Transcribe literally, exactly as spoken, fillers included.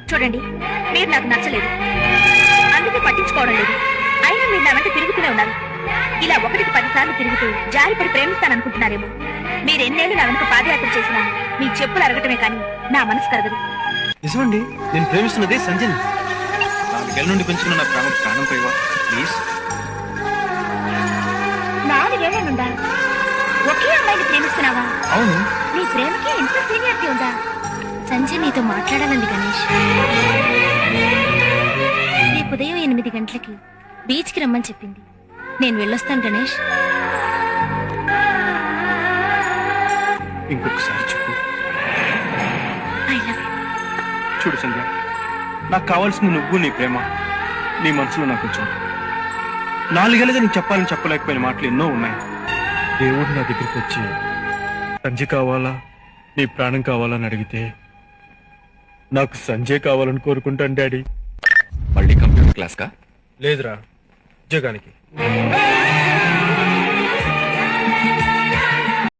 చూడండి, మీరు నాకు నచ్చలేదు, అందుకే పట్టించుకోవడం లేదు. అయినా మీరు నా వెంట తిరుగుతూనే ఉన్నారు. ఇలా ఒకటికి పది సార్లు తిరుగుతూ జారిపడి ప్రేమిస్తాననుకుంటున్నారేమో. మీరు ఎన్నేళ్ళు నా వెనుక పాదయాత్ర చేసినా మీ చెప్పులు అరగటమే కానీ నా మనసు కరగదు. నిజమండి, నేను ప్రేమిస్తున్నది సంజయ్. నాలుగేళ్ల నుండి పెంచుకున్న నా ప్రాణం ప్రాణం పోయివా ప్లీజ్. నాలుగేళ్ల నుండా ఒకే అమ్మాయిని ప్రేమిస్తున్నావా? అవును. నీ ప్రేమకి ఎంత సీనియారిటీ ఉందా? సంజయ్ నీతో మాట్లాడాలండి గణేష్. రేపు ఉదయం ఎనిమిది గంటలకి బీచ్ కి రమ్మని చెప్పింది. నేను వెళ్ళొస్తాను గణేష్. ఇంకొకసారి చెప్పు. I love you. చూడు సంధ్య, నాకు కావాల్సింది నువ్వు, నీ ప్రేమ. నీ మనసులో నాకు కొంచెం నాలుగేళ్ళగా నీకు చెప్పాలని చెప్పలేకపోయిన మాటలు ఎన్నో ఉన్నాయి. దేవుడు నా దగ్గరికి వచ్చి సంజయ్ కావాలా, నీ ప్రాణం కావాలని అడిగితే నాకు సంజయ్ కావాలని కోరుకుంటాను డాడీ. మళ్ళీ కంప్యూటర్ క్లాస్ కా? లేదురా, ఉద్యోగానికి.